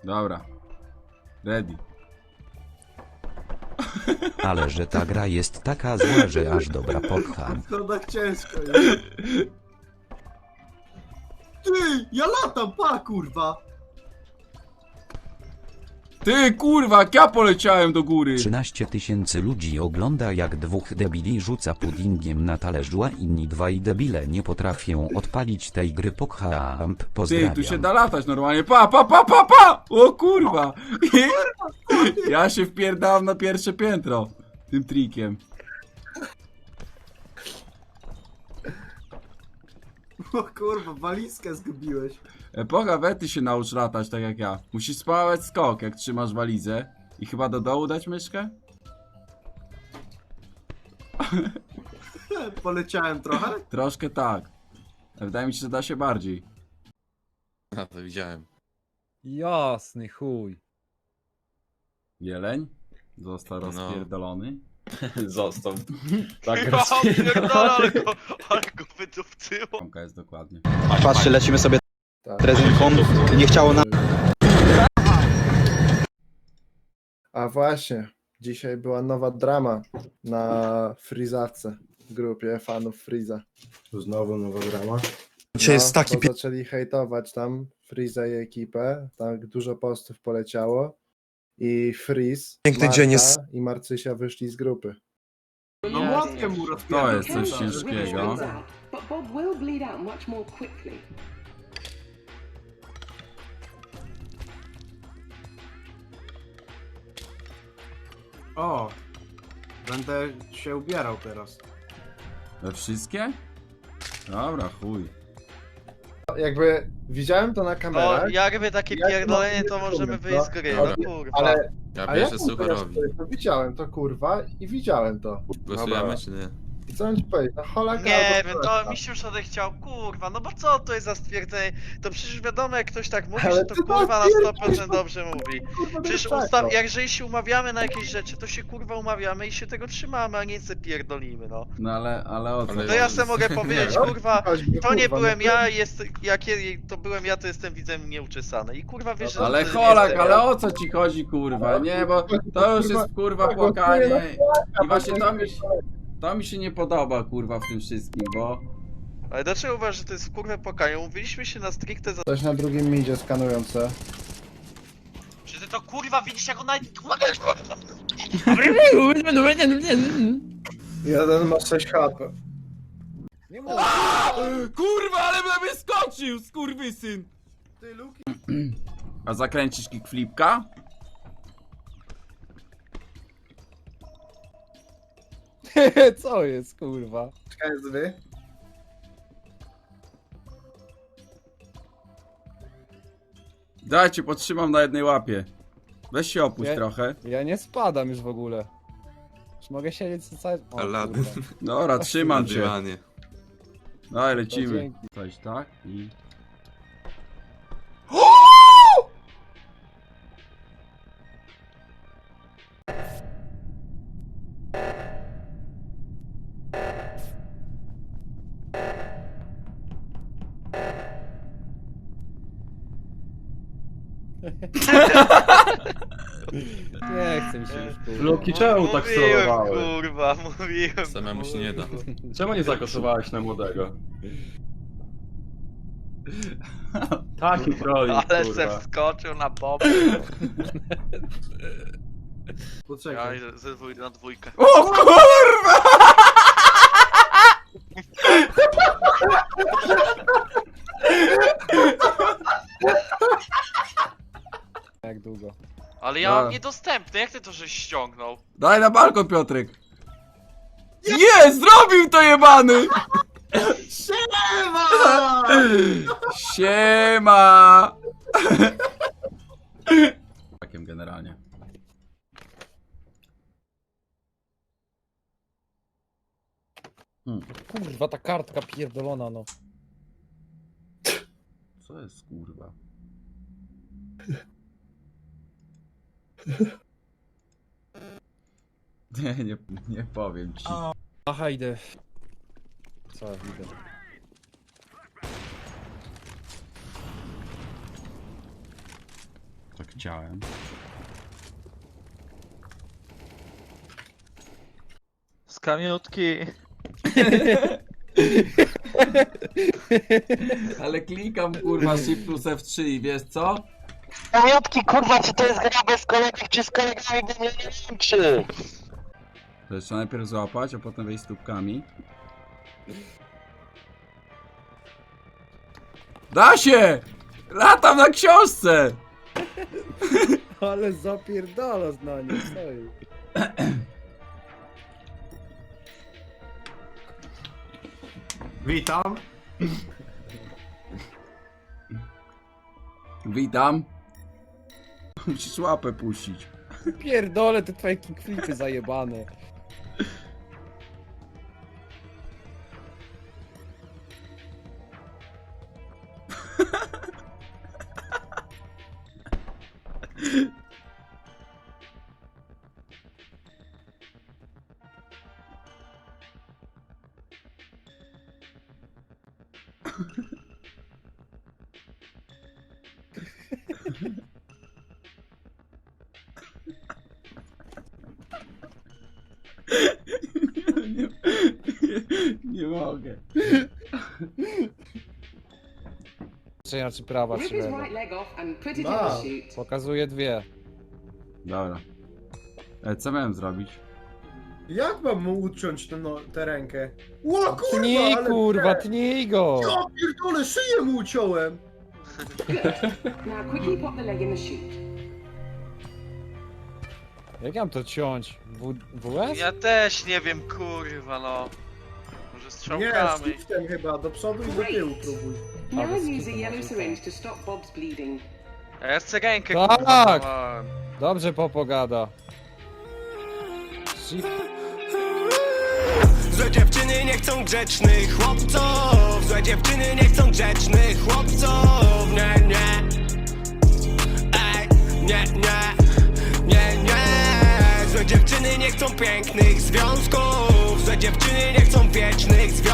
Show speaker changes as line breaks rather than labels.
Dobra. Ready.
Ale że ta gra jest taka zła, że aż dobra popcham.
To tak ciężko jest. Ty, ja latam, pa kurwa!
Ty kurwa, jak ja poleciałem do góry.
13 000 ludzi ogląda, jak dwóch debili rzuca puddingiem na talerzu, a inni dwaj debile nie potrafią odpalić tej gry. Pokhamp,
Ty,
pozdrawiam.
tu się da latać normalnie. Pa, pa, pa, pa, pa! O kurwa! Ja się wpierdałem na pierwsze piętro. Tym trikiem.
O kurwa, walizkę zgubiłeś.
Epoka Wety się naucz latać tak jak ja. Musisz spawać skok, jak trzymasz walizę. I chyba do dołu dać myszkę?
Poleciałem trochę.
Troszkę tak. Wydaje mi się, że da się bardziej.
A, to widziałem.
Jasny chuj.
Jeleń? Został rozpierdolony.
Został. Tak
Ja pierdolę, ale go wydupcyło.
Tomka jest dokładnie.
Patrzcie, lecimy sobie drezynką i nie chciało nam...
A właśnie, dzisiaj była nowa drama na Freezawce, w grupie fanów Freeza.
Znowu nowa drama.
Dzisiaj jest taki bo zaczęli hejtować tam Freeza i ekipę, tak dużo postów poleciało i Freeze,
Piękny dzień jest.
i Marcysia wyszli z grupy.
No młotkiem mu
To
rozpierdol.
jest coś ciężkiego.
But Bob will bleed out much more quickly.
O, będę się ubierał teraz.
We wszystkie? Dobra, chuj.
Jakby widziałem to na
No,
kamerach,
jakby takie
Jak
pierdolenie, to
mam-
możemy wyjść z gry,
Dobra.
no kurwa.
ale
Ja
a
bierzę
jak
sucharowi.
to widziałem to kurwa i widziałem to.
Głosujemy czy nie?
I co mam ci powiedzieć, no holaka
Nie
albo
wiem,
holaka.
to mi się już odechciał, kurwa, no bo co to jest za stwierdzenie? To przecież wiadomo, jak ktoś tak mówi,
Ale
że to
ty
kurwa na
stwierdzisz,
100% dobrze mówi.
Kurwa,
Przecież
tak, no.
jeżeli się umawiamy na jakieś rzeczy, to się kurwa umawiamy i się tego trzymamy, a nie se pierdolimy, no.
No ale o co?
Ale
To ja se mogę powiedzieć,
No,
kurwa,
choćby,
to nie
kurwa,
byłem
no
ja, jak to byłem ja, to jestem widzem nieuczesany. I kurwa wiesz, że
Ale
to
Holak,
jestem
ale
ja.
o co ci chodzi kurwa? Nie, bo to już jest kurwa płakanie. I właśnie to mi się nie podoba kurwa w tym wszystkim, bo...
Ale dlaczego uważasz, że to jest kurwa płakanie? Umówiliśmy się na stricte za...
Coś na drugim midzie skanujące.
Czy ty to kurwa widzisz jak ona...
Jeden ma 6 HP.
Kurwa, ale na mnie skoczył, skurwysyn!
Ty, Luki.
A zakręcisz kickflipka?
Co jest kurwa?
KSW.
Dajcie, podtrzymam na jednej łapie. Weź się opuść
Nie.
trochę.
Ja nie spadam już w ogóle. Już mogę siedzieć cały... O,
Aladdin.
kurwa.
Dobra, trzymam
Na
cię.
dywanie.
Daj,
To
lecimy.
dzięki.
Coś tak i...
Nie chcę mi się już kurwa.
Luki, czemu tak
Mówiłem,
sterowałeś?
kurwa, mówiłem.
Samemu się nie da.
Czemu nie zagłosowałeś na młodego? Taki trolling,
Ale se
kurwa.
wskoczył na boby. Ja
Poczekaj.
idę ze na dwójkę.
O kurwa!
Jak długo?
Ale ja
A.
mam niedostępny, jak ty to żeś ściągnął?
Daj na balkon, Piotrek. Nie, zrobił to jebany!
Siema!
Siema! Takiem generalnie.
Kurwa ta kartka pierdolona no.
Co jest kurwa? Nie powiem ci.
Aha, idę. Co, idę.
Tak chciałem.
Z kamiutki.
Ale klikam kurwa Shift plus F3 i wiesz co?
Kamiutki, kurwa, czy to jest gra bez kolegów, czy z kolegami, bo mnie nie wiem, czy.
To jeszcze najpierw złapać, a potem wejść stópkami. Da się! Latam na książce!
Ale zapierdala na nim, stoi.
Witam.
Witam. Musisz łapę puścić.
Pierdolę te twoje kickflipy zajebane.
Nie, nie mogę.
Czy prawa,
Rip
czy
his
lewa?
right leg off and put it in
Wow.
the chute.
Pokazuje dwie.
Dobra. Co miałem zrobić?
Jak mam mu uciąć tę rękę? Ło kurwa,
Tnij
ale...
kurwa, tnij go!
Ja pierdolę, szyję mu uciąłem!
Now quickly pop the leg in the chute.
Jak ja mam to ciąć? WS?
Ja też nie wiem, kurwa, no. Może
Nie,
strzałkami.
shiftem chyba, do przodu i do tyłu próbuj.
Now
bez
use
kitu
a yellow
będzie
syringe to stop Bob's bleeding.
A ja chcę rękę,
Tak!
kurwa, dawałem.
Dobrze popogada.
Złe dziewczyny nie chcą grzecznych chłopców. Złe dziewczyny nie chcą grzecznych chłopców. Nie, nie. Ej, nie, nie. Nie, nie. Złe dziewczyny nie chcą pięknych związków. Złe dziewczyny nie chcą wiecznych związków.